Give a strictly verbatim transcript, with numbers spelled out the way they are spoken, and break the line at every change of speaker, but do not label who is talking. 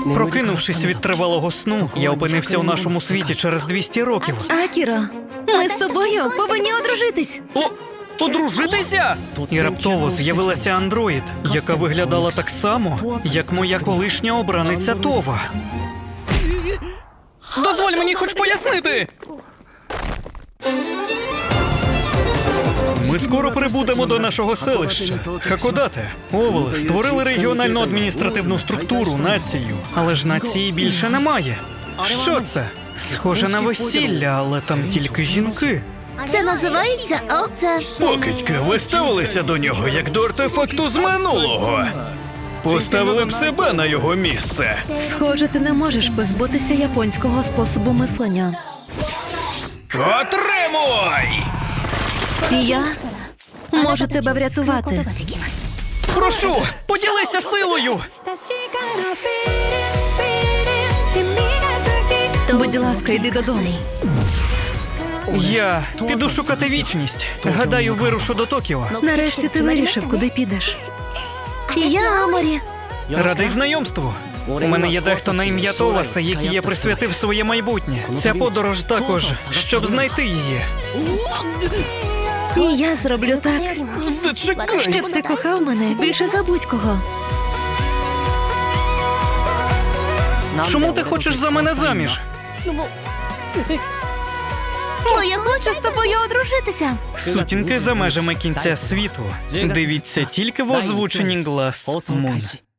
Прокинувшись від тривалого сну, я опинився у нашому світі через двісті років.
Акіро, ми з тобою повинні одружитись.
О! Одружитися? І раптово з'явилася андроїд, яка виглядала так само, як моя колишня обраниця Това. Дозволь мені хоч пояснити! Ми скоро прибудемо до нашого селища. Хакодате, Овел створили регіональну адміністративну структуру, націю. Але ж нації більше немає. Що це? Схоже на весілля, але там тільки жінки.
Це називається оце.
Покидьки, ви ставилися до нього як до артефакту з минулого. Поставили б себе на його місце.
Схоже, ти не можеш позбутися японського способу мислення.
Отримуй!
І я можу тебе врятувати.
Прошу, поділися силою!
Будь ласка, йди додому.
Я піду шукати вічність. Гадаю, вирушу до Токіо.
Нарешті ти вирішив, куди підеш. І я Аморі.
Радий знайомству. У мене є дехто на ім'я Товаса, який я присвятив своє майбутнє. Ця подорож також, щоб знайти її.
І я зроблю так,
Зачекай!
щоб ти кохав мене більше за будь-кого.
Чому ти хочеш за мене заміж?
Бо я хочу з тобою одружитися.
Сутінки за межами кінця світу. Дивіться тільки в озвученні Glass Moon.